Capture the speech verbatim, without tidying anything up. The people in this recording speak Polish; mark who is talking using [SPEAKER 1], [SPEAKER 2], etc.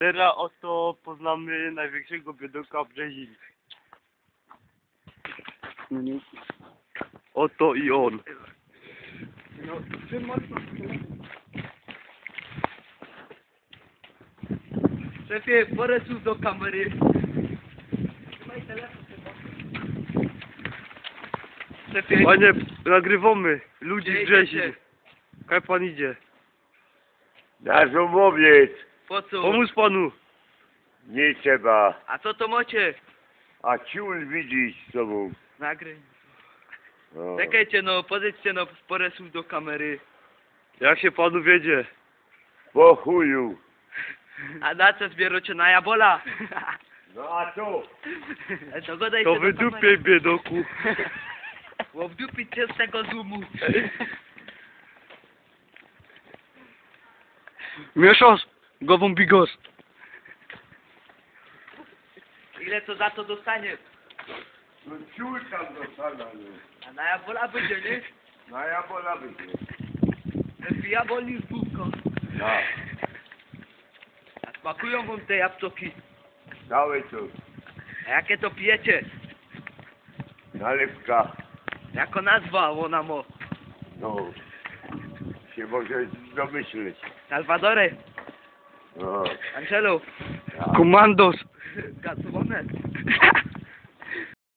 [SPEAKER 1] Teraz oto poznamy największego biedoka Brzezin.
[SPEAKER 2] No nie.
[SPEAKER 1] Oto i on.
[SPEAKER 2] No, czym mocno? Szefie, porę tu do kamery. Trzymaj telefon. Szefie,
[SPEAKER 1] Panie, nagrywamy ludzi
[SPEAKER 2] Gdzie
[SPEAKER 1] z Brzezin.
[SPEAKER 2] idziecie?
[SPEAKER 1] Kaj pan idzie?
[SPEAKER 3] Na żumowiec
[SPEAKER 2] po co?
[SPEAKER 1] Pomóż panu.
[SPEAKER 3] nie trzeba,
[SPEAKER 2] A co to macie?
[SPEAKER 3] a ciul widzieć z tobą.
[SPEAKER 2] Nagry.
[SPEAKER 3] No.
[SPEAKER 2] Czekajcie no, podejdźcie no porę słów do kamery.
[SPEAKER 1] Jak się panu wiedzie?
[SPEAKER 3] Po chuju.
[SPEAKER 2] A na co zbieracie na jabola?
[SPEAKER 3] No a co?
[SPEAKER 2] To godajcie
[SPEAKER 1] To
[SPEAKER 2] do
[SPEAKER 1] wydupiej
[SPEAKER 2] kamery.
[SPEAKER 1] biedoku.
[SPEAKER 2] Bo wdupić cię z tego zoomu.
[SPEAKER 1] Mieszasz? Gową bigos.
[SPEAKER 2] Ile to za to dostanie?
[SPEAKER 3] No ciul tam dostana, no.
[SPEAKER 2] A na jabola będzie, nie?
[SPEAKER 3] Na jabola będzie.
[SPEAKER 2] Lepiej jabol niż bubko.
[SPEAKER 3] No.
[SPEAKER 2] A smakują wam te jabłki?
[SPEAKER 3] Całe to.
[SPEAKER 2] A jakie to pijecie?
[SPEAKER 3] Nalewka.
[SPEAKER 2] Jako nazwa ona mo?
[SPEAKER 3] No. Się może domyśleć.
[SPEAKER 2] Salvadore,
[SPEAKER 3] No.
[SPEAKER 2] Angelo,
[SPEAKER 1] Komandos.
[SPEAKER 2] Gasowane.